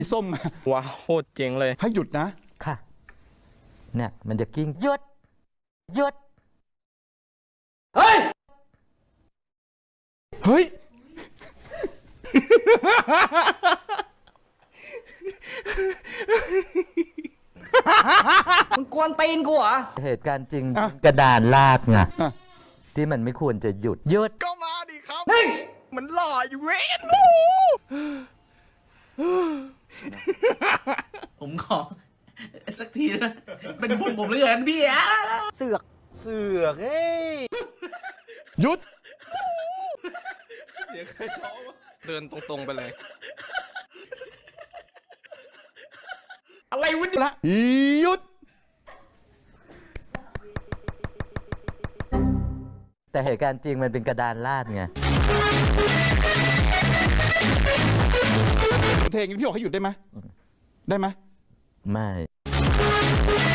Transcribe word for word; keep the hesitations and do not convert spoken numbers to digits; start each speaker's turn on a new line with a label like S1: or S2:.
S1: ส้ม
S2: ว้าวโคตรเจ๋งเลย
S1: ให้หยุดนะ
S3: ค่ะเนี่ยมันจะกิ้งหยุดหยุด
S1: เฮ้ยเฮ้ย
S4: มึงกวนตีนกูเหรอ
S3: เหตุการณ์จริงกระดานลากไงที่มันไม่ควรจะหยุดหยุด
S2: ก็มาดิครับมันหล่ออยู่เว้น
S4: ผมขอสักทีนะเป็นบุญผมเหลือเกินพี่อะ
S5: เสือกเสือกเฮ้ย
S1: หยุด
S2: เสียงใครท้องเดินตรงๆไปเลย
S1: อะไรวะเนี่ยละหยุด
S3: แต่เหตุการณ์จริงมันเป็นกระดานลาดไง
S1: เพลงนี้พี่บอกให้หยุดได้ไหมได้ไหม
S3: ไม่